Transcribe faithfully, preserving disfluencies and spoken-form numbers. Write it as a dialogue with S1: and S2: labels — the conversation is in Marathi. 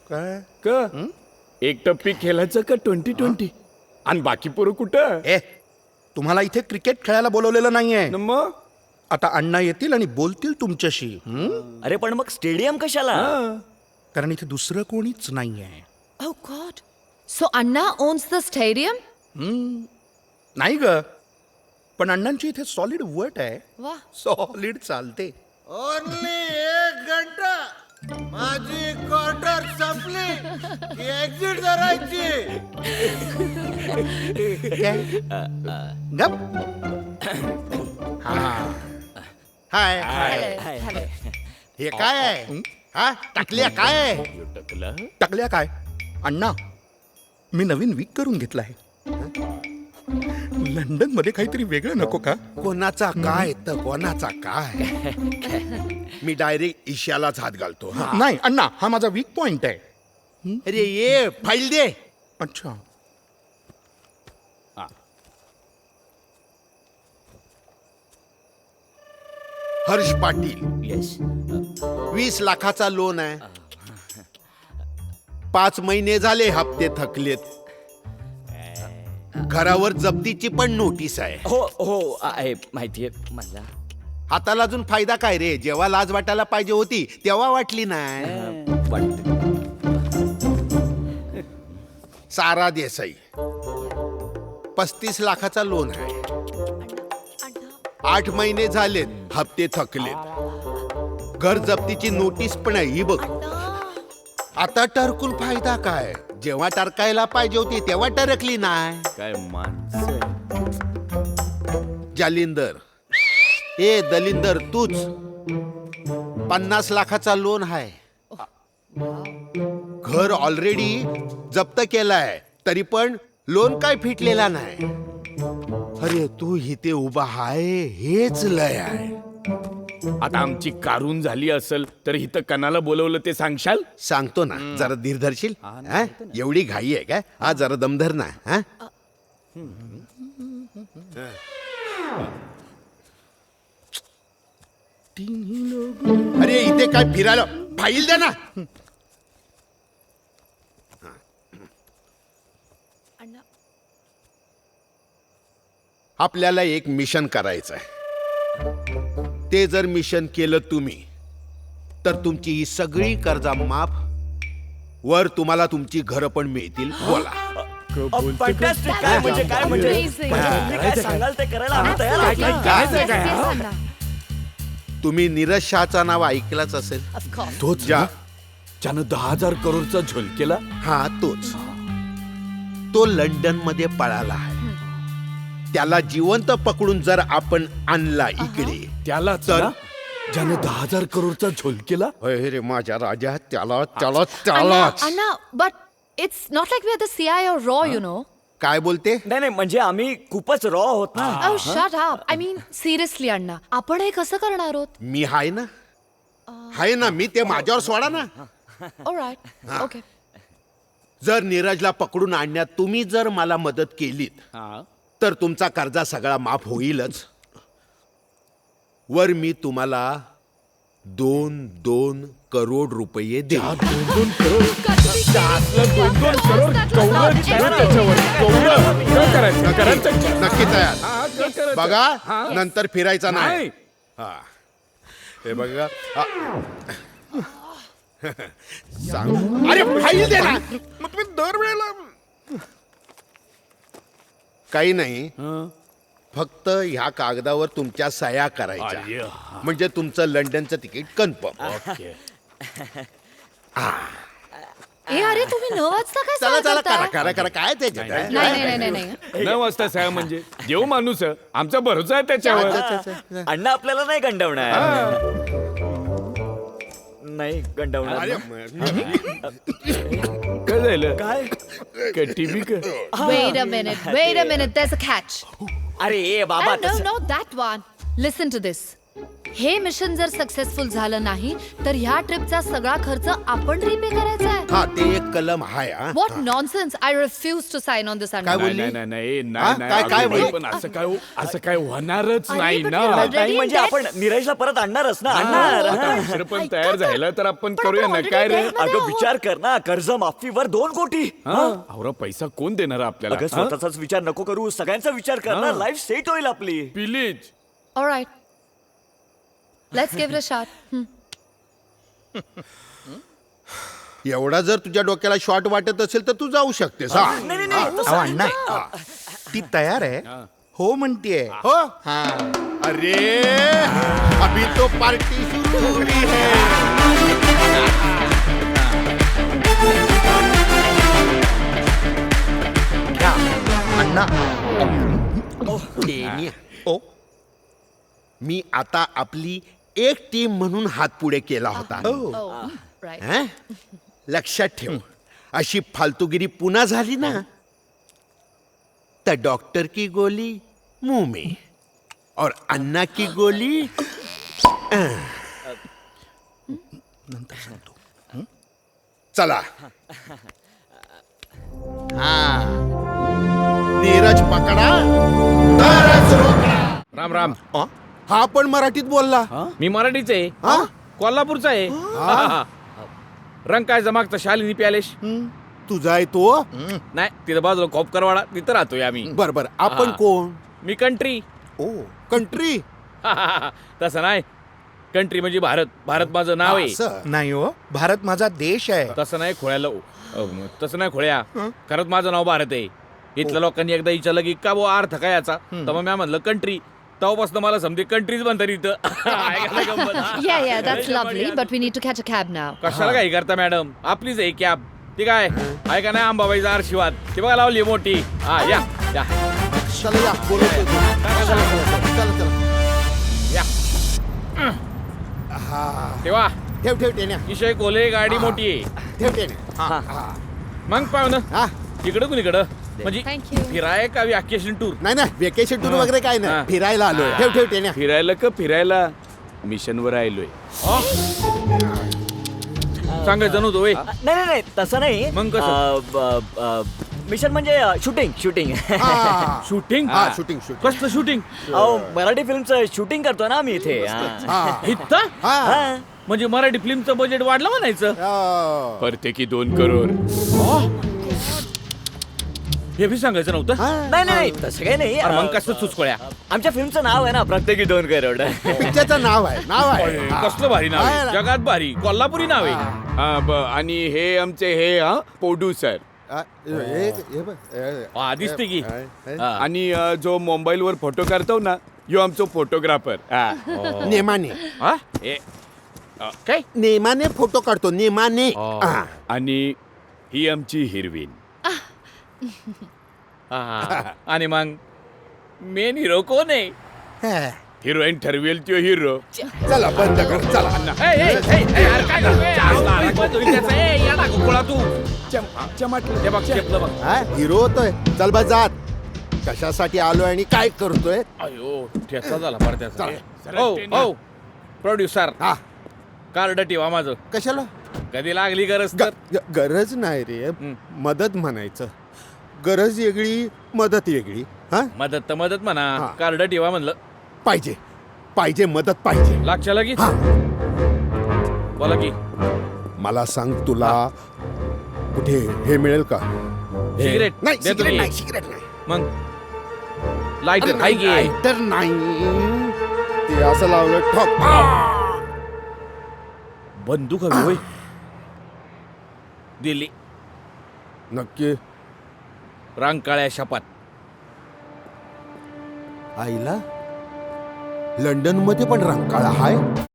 S1: काय
S2: क एक टप्पी खेळायचं का ट्वेंटी ट्वेंटी आणि बाकी पोरं कुठं
S1: ए तुम्हाला इथे क्रिकेट खेळायला बोलवलेलं नाहीये
S2: न मग
S1: आता अण्णा येतील आणि बोलतील तुमच्याशी हं?
S3: अरे पण मग स्टेडियम कशाला?
S2: हा.
S1: कारण इथे दुसरं कोणीच नाहीये
S4: Oh God. So Anna owns the stadium?
S1: नाही ग पण अण्णांची इथे सॉलिड वट आहे
S4: Wow.
S1: सॉलिड चालते
S5: ओनली एक घंटा माझी क्वार्टर संपली की एक्झिट करायची.
S1: काय? गप
S5: हाय
S3: हाय, हाय.
S5: हे काय आहे हा टाकल्या काय आहे?
S2: टकलं.
S1: टाकल्या काय अण्णा मी नवीन वीक करून घेतला आहे लंडन मध्ये काहीतरी वेगळं नको का
S5: कोणाचा काय तर कोणाचा काय. मी डायरेक्ट ईशालाच हात घालतो हा.
S1: नाही अण्णा हा माझा वीक पॉइंट आहे
S5: अरे ये फाईल दे.
S1: अच्छा
S5: हर्ष पाटील
S3: येस.
S5: वीस लाखाचा लोन आहे. पाच महिने झाले हप्ते थकलेत. घरावर जप्तीची पण नोटीस आहे.
S3: हो हो आहे माहितीये मला.
S5: हाताला अजून फायदा काय रे. जेव्हा लाज वाटायला पाहिजे होती तेव्हा वाटली नाही.
S3: वाटतं.
S5: सारा देसाई पस्तीस लाखाचा लोन आहे. आठ महिने झालेत हप्ते थकलेत. घर जप्तीची नोटीस पण आहे ही बघ. आता टरकून फायदा काय. जेव्हा टरकायला पाहिजे होती तेव्हा टरकली नाही.
S2: काय माणसं
S5: जालिंदर ए दलिंदर तूच पन्नास लाखाचा लोन आहे. घर ऑलरेडी जप्त केलाय तरी पण लोन काय फिटलेला नाही. अरे तू इथे उभा आहे हेच लय आहे.
S2: आता आमची कारून झाली असेल तर इथं कणाला बोलवलं ते सांगशाल
S5: सांगतो ना जरा धीर धरशील. हा? एवढी घाई आहे का. हा जरा दमधर ना. हा? अरे इथे काय फिरायला फाईल द्या ना. आपल्याला एक मिशन करायचं आहे. ते जर मिशन केलं तुम्ही तर तुमची ही सगळी कर्जा माफ. वर तुम्हाला तुमची घरं पण मिळतील. बोला.
S3: फॅन्टॅस्टिक. काय म्हणजे काय म्हणजे
S4: Amazing.
S3: म्हणजे तुम्ही काय सांगाल ते करायला आम्ही तयार आहोत.
S4: Yes, yes, yes, Anna.
S5: तुम्ही नीरज शहाचा नाव ऐकलंच असेल.
S4: Of course.
S2: तोच
S5: ज्या
S2: ज्यानं दहा हजार करोडचा झोल केला
S5: हा तोच. तो लंडन मध्ये पळाला आहे. त्याला जिवंत पकडून जर आपण आणला इकडे
S2: त्याला
S5: तर-
S2: ज्यानं दहा हजार करोडचा झोल केला
S5: अरे रे माझ्या राजा त्याला त्याला
S4: Anna,
S5: त्यालाच.
S4: Anna, but it's not like we're the C I or Raw, you know.
S5: काय बोलते.
S3: नाही नाही म्हणजे आम्ही खूपच रॉ आहोत ना.
S4: Oh, shut up. I mean, seriously, Anna. आपण हे कसं करणार आहोत?
S5: मी हाय ना हाय ना मी ते माझ्यावर सोडा ना.
S4: All right. Okay.
S5: जर नीरजला पकडून आणण्यात तुम्ही जर मला मदत केलीत तर तुमचा कर्जा सगळा माफ होईलच. वर मी तुम्हाला दोन दोन करोड रुपये देईन.
S2: दोन दोन करोड कौरव त्याच्यावर कौरव काय करायचं करायचं
S5: नक्की तयार.
S2: हा, काय करायचं?
S5: बघा
S2: हा.
S5: नंतर फिरायचा नाही.
S2: नाही
S5: हा. हे बघा हा. सांग. अरे फाईल दे ना.
S1: मग तुम्ही दरवेळेला
S5: काही नाही फक्त ह्या कागदावर तुमच्या सह्या करायच्या
S2: अरे,
S5: म्हणजे तुमचं लंडनचं तिकीट कन्फर्म.
S2: ओके
S4: ए अरे तुम्ही न वाचता काय
S5: चला चला करा
S4: सांगताय?
S5: करा करा काय त्याच्यात आहे?
S4: नाही नाही नाही नाही नाही.
S2: न वाजता साया म्हणजे देव माणूस आहे. आमचा भरोसा आहे त्याच्यावर
S3: अण्णा आपल्याला नाही गंडवणार. नाही गंडवणार
S5: अरे,
S3: ना.
S2: काय झालं
S3: काय
S2: काय टीव्ही का
S4: Wait a minute. Wait a minute. There's a catch.
S3: अरे ए बाबा
S4: Oh, no,
S3: तसं-
S4: no, that one. Listen to this. हे मिशन जर सक्सेसफुल झालं नाही तर ह्या ट्रिपचा सगळा खर्च आपण रिपे करायचा आहे.
S5: हा ते एक कलम आहे हा.
S4: What nonsense. I refuse to sign on this
S5: काय
S2: नाही
S5: बोलली?
S2: नाही नाही, नाही
S5: हा?
S2: नाही नाही,
S5: काय- काय
S2: अगं बाई,
S5: बोलली?
S2: पण असं काय हो- असं काय होणारच
S4: अरे,
S2: नाही
S4: but
S2: ना
S4: we are already
S3: नाही म्हणजे
S4: in
S3: आपण नीरजला परत आणणारच ना आणणार
S2: आता
S3: हा.
S2: उशीर पण
S4: ऐका
S2: तयार
S4: तर.
S2: झालं तर आपण
S4: पण
S2: करूया
S4: आपण
S2: ना
S4: already
S2: काय रे
S4: debt मध्ये
S3: अगं
S4: आहोत.
S3: विचार कर ना कर्ज माफीवर दोन कोटी
S2: अवरा पैसा कोण देणार आपल्याला
S3: अगं
S2: हा?
S3: स्वतःचाच विचार नको करू सगळ्यांचा विचार कर ना
S2: हा.
S3: लाईफ सेट होईल आपली
S2: please
S4: All right. Let's give it a shot. Hmm.
S5: एवढा जर तुझ्या डोक्याला शॉर्ट वाटत असेल तर तू जाऊ शकतेस हा.
S3: नाही नाही नाही
S1: अहो अण्णा ती तयार आहे हो म्हणतीये.
S5: हो अरे अभी तो पार्टी शुरू हुई है.
S1: घ्या अण्णा.
S5: डेनिया.
S1: ओ
S5: मी आता आपली एक टीम म्हणून हात पुढे केला होता
S4: Oh, right.
S5: हं? लक्षात ठेव अशी फालतूगिरी पुन्हा झाली ना तर डॉक्टर की गोली मुंह में और अन्ना की गोली अं.
S1: नंतर सांगतो.
S5: चला हा नीरज पकडा तरच रोकडा.
S2: राम राम
S1: अ?
S5: हा पण मराठीत बोलला
S2: मी मराठीच आहे
S5: हा?
S2: कोल्हापूरचा आहे रंग काय जमागचा शालिनी प्यालेश
S5: तुझा आहे तो
S2: नाही तिथं बाजूला खोपकरवाडा तिथं राहतोय आम्ही
S5: बर बर आपण
S2: हा.
S5: कोण
S2: मी कंट्री
S5: ओ कंट्री
S2: तसं नाही कंट्री म्हणजे भारत भारत माझं नाव आहे
S5: असं.
S1: नाही हो भारत माझा देश आहे.
S2: तसं नाही खोळ्याला अ, तसं नाही खोळ्या खरंच माझं नाव भारत आहे इथल्या लोकांनी एकदा विचारलं की का बो अर्थ काय याचा तर मग मी म्हणलं कंट्री तेव्हापासून मला समजे कंट्रीज म्हणतात इथं ऐकायला गंमत.
S4: Yeah, yeah, that's lovely, but we need to catch a cab now.
S2: कशाला काही करता मॅडम आपलीच आहे कॅब ती काय ऐका नाही अंबाबाईचा आशीर्वाद ती बघा लावली मोठी हा या या
S5: चला या बोलवतोय तो. चला, चला, चला, चला.
S2: या
S5: हा.
S2: तेव्हा
S5: ठेव ठेव टेन्या
S2: विषय कोले गाडी मोठी आहे
S5: ठेव टेन्या हा, हा.
S2: मग पाहू
S5: हा
S2: इकडं कुणीकडं म्हणजे
S4: Thank you.
S2: फिराय का वॅकेशन टूर
S5: नाही ना वेकेशन टूर
S2: हा.
S5: वगैरे काय
S2: हा.
S5: नाही फिरायला आलोय ठेव ठेव टेन्या
S2: फिरायला का फिरायला मिशनवर आलोय सांगायचं नव्हतं वय
S3: नाही नाही नाही तसं नाही
S2: मग कसं?
S3: अ, ब- अ, मिशन म्हणजे शूटिंग शूटिंग
S5: हा.
S2: शूटिंग
S5: हा शूटिंग शूटिंग
S2: कसलं शूटिंग
S3: अहो मराठी फिल्मचं शूटिंग करतो ना आम्ही इथे हा.
S5: हा.
S2: इथं
S5: हा.
S3: हा.
S2: म्हणजे मराठी फिल्मचं बजेट वाढलं म्हणायचं
S5: हा.
S2: प्रत्येकी दोन करोड हे बी सांगायचं नव्हतं
S5: हा.
S3: नाही नाही नाही, तसं काही नाही
S2: अरे मग
S3: अ,
S2: कसं चुचकोळ्या
S3: आमच्या फिल्मचं नाव आहे ना प्रत्येकी दोन करोड
S5: पिक्चरचं नाव आहे नाव आहे हा.
S2: कसलं भारी नाव आहे
S5: हा.
S2: जगात भारी कोल्हापुरी नाव आहे हा, ब- आणि हे आमचे हे हा प्रोड्युसर
S5: हा, हे- हे बघ, हे-
S2: हा, दिसते की
S5: हे- हे-
S2: हा. आणि अ, जो मोबाईल वर फोटो काढतो ना यो आमचो फोटोग्राफर
S5: नेमाने
S2: हा हे, अ, काय
S5: नेमाने फोटो काढतो नेमाने हा.
S2: आणि ही आमची हिरवीन हा. आणि मग मेन हिरो कोण आहे
S5: हा.
S2: हिरोईन ठरवेल तो हिरो
S5: चला बंद कर चला हा हिरो होतोय चल बा जात कशासाठी आलोय आणि काय करतोय
S2: अयो ठेचा झाला पडत्याचा हो हो प्रोड्युसर
S5: हा
S2: कार्ड ठेवा माझं
S5: कशाला
S2: कधी लागली गरज
S5: ग-
S2: तर
S5: ग- गरज नाही रे मदत म्हणायचं गरज वेगळी मदत वेगळी हा
S2: मदत तर मदत म्हणा
S5: हा.
S2: कार्ड ठेवा म्हणलं
S5: पाहिजे पाहिजे मदत पाहिजे
S2: लक्षाला की
S5: हा.
S2: बोला की
S5: मला सांग तुला कुठे हे मिळेल का
S2: सिगरेट
S5: नाही
S2: देतो
S5: सिगरेट
S2: की.
S5: नाही सिगरेट नाही
S2: मग
S5: अरे
S2: लाईटर
S5: नाही,
S2: की
S5: lighter नाही ते असं लावलं ठोक
S2: बंदूक हवी होय दिली
S5: नक्की
S2: रांकाळ्या शपथ
S5: आईला लंडन मध्ये पण रंकाळा हाय